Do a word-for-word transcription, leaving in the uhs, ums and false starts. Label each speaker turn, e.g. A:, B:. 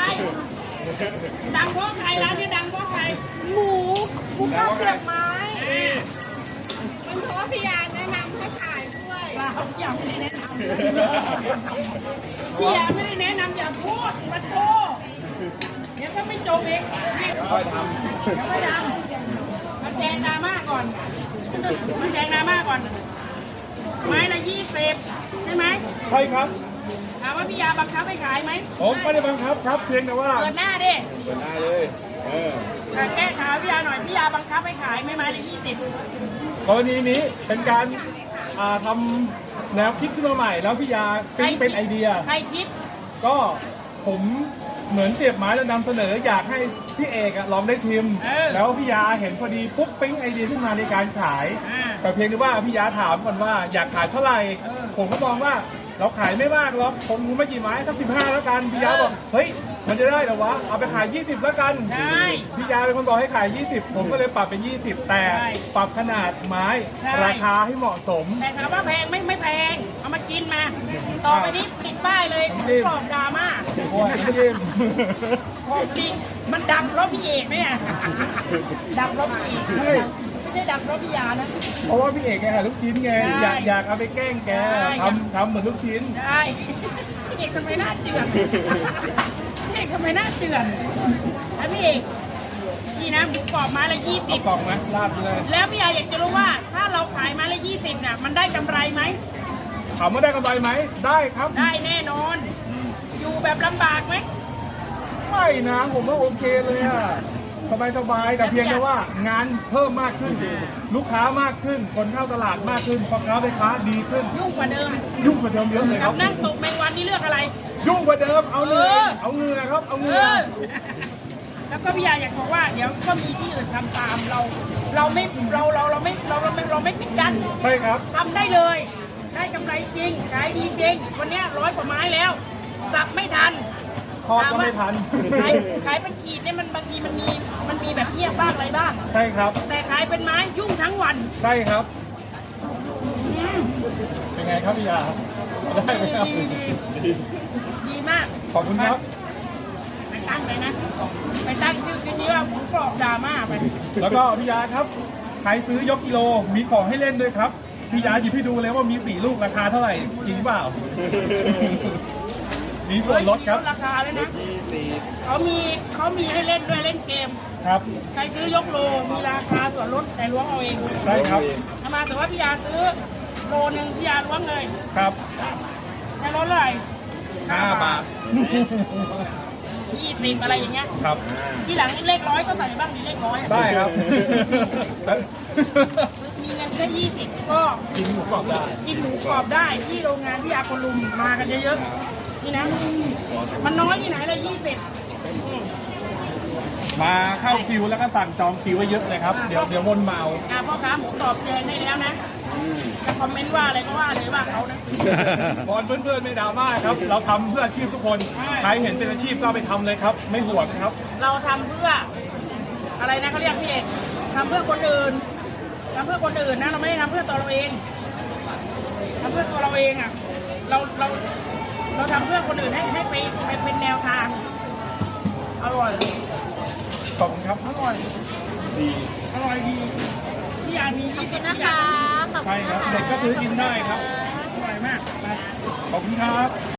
A: ดังเพราะใครร้านนี้ดังเพราะใคร
B: หมูหมูกรอบเสียบไม้
C: มันเพราะว่าพี่ยาแนะนำให้ขายด้วย
A: เราอย่าไม่ได้แนะนำพี่ยาไม่ได้แนะนำอย่าพูดมาโตเดี๋ยวก็ไม่จบเอง
D: ค่อยท
A: เดี๋ยวไม่ดังมาแจงดราม่าก่อนมาแจงดราม่าก่อนไม้ละยี่สิบใช่ไหม
D: ำใช่ครับ
A: ถามว่าพี่ยาบังคับให้ขายไหม
D: ผมไม่ได้บังคับครับเพียงแต่ว่า
A: เปิดหน้าดิ
D: เปิดหน้าเลยเออ
A: แต่แก้ข่าวพี่ยาหน่อยพี่ยาบังคับให้ขายไม่ไม้ละยี่สิบ
D: กรณีนี้เป็นการอ่าทำแนวคิดขึ้นมาใหม่ แล้วพี่ยาปิ๊งเป็นไอเดีย
A: ใครคิด
D: ก็ผมเหมือนเสียบไม้แล้วนำเสนออยากให้พี่เอกอะลองได้ชิม
A: เออ
D: แล้วพี่ยาเห็นพอดีปุ๊บปิ๊งไอเดียขึ้นมาในการขาย
A: อ่า
D: แต่เพียงแต่ว่าพี่ยาถามก่อนว่าอยากขายเท่าไหร่
A: เออ
D: ผมก็มองว่าเราขายไม่มากหรอกผมรู้ไม่กี่ไม้สักสิบห้าแล้วกันพี่ยา
A: เออ
D: บอกเฮ้ยมันจะได้เหรอวะเอาไปขายยี่สิบแล้วกัน
A: ใช่
D: พี่ยาเป็นคนบอกให้ขายยี่สิบผมก็เลยปรับเป็นยี่สิบแต่
A: ใช่
D: ปรับขนาดไม้
A: ใช่
D: ราคาให้เหมาะสม
A: แต่ถามว่าแพงไม่ไม่แพงเอามากินมา ต่อไปนี้ติดป้ายเลย
D: น้ำจิ้ม
A: กรอบดราม่า
D: โอ้ยไม่ยิ้ม
A: ของจริงมันดังเพราะพี่เอกเนี่ยดังเพราะพี่เอก
D: ใช่
A: ไม่ใช่ดังเพราะพี่ยานะ
D: เพราะว่าพี่เอกแกขายลูกชิ้นไง
A: ใช่
D: อยากอยากเอาไปแกล้งแก
A: ใช่
D: ทำทำเหมือนลูกชิ้น
A: ได้พี่เอกทำไมหน้าเจือนพี่เอกทำไมหน้าเจือนแล้วพี่เอกนี่นะหมูกรอบไม้ละยี่สิ
D: เอา
A: บ
D: กล่องนะลาดเลย
A: แล้วพี่ยาอยากจะรู้ว่าถ้าเราขายไม้ละยี่สิบเนี่ยมันได้กำไรไหม
D: ถามว่าได้กำไรไหมได้ครับ
A: ได้แน่นอน อยู่แบบลำบากไหม
D: ไม่นะผมว่าโอเคเลยอะสบายสบายๆแต่เพียงแต่ว่างานเพิ่มมากขึ้น ลูกค้ามากขึ้น คนเข้าตลาดมากขึ้นพ่อค้าแม่ค้าดีขึ้น
A: ยุ่งกว่าเดิม
D: ยุ่งกว่าเดิมเยอะเลยค
A: กั
D: รั
A: บบ นั่งตกแมงวันนี่เลือกอะไร
D: ยุ่งกว่าเดิมเอาเงิน
A: เออ
D: เอาเงินครับ เอา
A: เอ
D: เงิน
A: อ แล้วก็พี่ยาอยากบอกว่าเดี๋ยวก็มีที่อื่นทำตามเรา เราไม่เราเราเราไม่เราเราไม่เราไม่ปิดกั้น
D: ใช่ครับ
A: ทำได้เลย ได้กำไรจริงขายดีจริงวันเนี้ยร้อยกว่าไม้แล้ว สับไม่ทัน
D: ทอดก็ไม่ทัน
A: ขายขายเป็นขีดเนี่ยมันบางทีมันมีมันมีแบบเงียบบ้างอะไรบ้าง
D: ใช่ครับ
A: แต่ขายเป็นไม้ยุ่งทั้งวัน
D: ใช่ครับ
A: อืม
D: เป็นไงครับพี่ยาได้ไหมครับ
A: ดีดีดี ดีมาก
D: ขอบคุณครับ
A: ไปตั้งเลยนะ ไปตั้งชื่อคลิปนี้ว่าหมูกรอบดราม่าไป
D: แล้วก็พี่ยาครับ ใครซื้อยกกิโล มีของให้เล่นด้วยครับ พี่ยาหยิบให้ดูเลยว่ามีสี่ลูกราคาเท่าไหร่ จริงเปล่า มีส่วนลดครับ
A: เฮ้ยมีลดราคาเลยนะเขามีเขามีให้เล่นด้วยเล่นเกม
D: ครับ
A: ใครซื้อยกโล มีราคาส่วนลดแต่ล้วงเอาเอง
D: ใช่ครับ
A: ถ้ามาแต่ว่าพี่ยาซื้อโลหนึ่งพี่ยาล้วงเลย
D: ครับ
A: จะลดเลย
D: ห้าบาท
A: ยี่สิบอะไรอย่างเงี้ย
D: ครับ
A: ที่หลังเลขร้อยก็ใส่บ้างมีเลขร้อยอะ
D: ได้ครับ
A: มีเงินแค่ยี่สิบก็
D: กินหมูกรอบได้
A: กินหมูกรอบได้ที่โรงงานที่อาคนลุมมากันเยอะๆนี่นะ มันน้อยที่ไหนเลยยี่สิบ
D: มาเข้าคิวแล้วก็สั่งจองคิวไว้เยอะเลยครับ เดี๋ยวเดี๋ยววนมาเอา
A: อ่าพ่อค้าหมูกรอบแจงได้แล้วนะจะคอมเมนต์ว่าอะไรก็ว่าเลยว่าเขานะ
D: บอลเพื่อนๆไม่ดราม่าครับ เราทำเพื่ออาชีพทุกคน
A: ใช่
D: ใครเห็นเป็นอาชีพก็เอาไปทำเลยครับ ไม่ห่วงครับ
A: เราทำเพื่อ อะไรนะเขาเรียกพี่เอกทำเพื่อคนอื่นทำเพื่อคนอื่นนะเราไม่ได้ทำเพื่อตัวเราเองทำเพื่อตัวเราเองอ่ะ เราเราเราทำเพื่อคนอื่นให้ให้ไปไปเป็นแนวทางอร่อย
D: ขอบคุณครับ
A: อร่อย
D: ดี
A: อร่อยดีพี่ยามียี่สิบ
B: นะ
A: อย่า
B: คะ
A: ง
B: ขอบ
D: ใช่
B: คุณ
D: ครับ
B: นะคะ
D: เด็กก็ซื้อกินได้ครับ
A: อร่อยมากไป
D: ขอบคุณครับ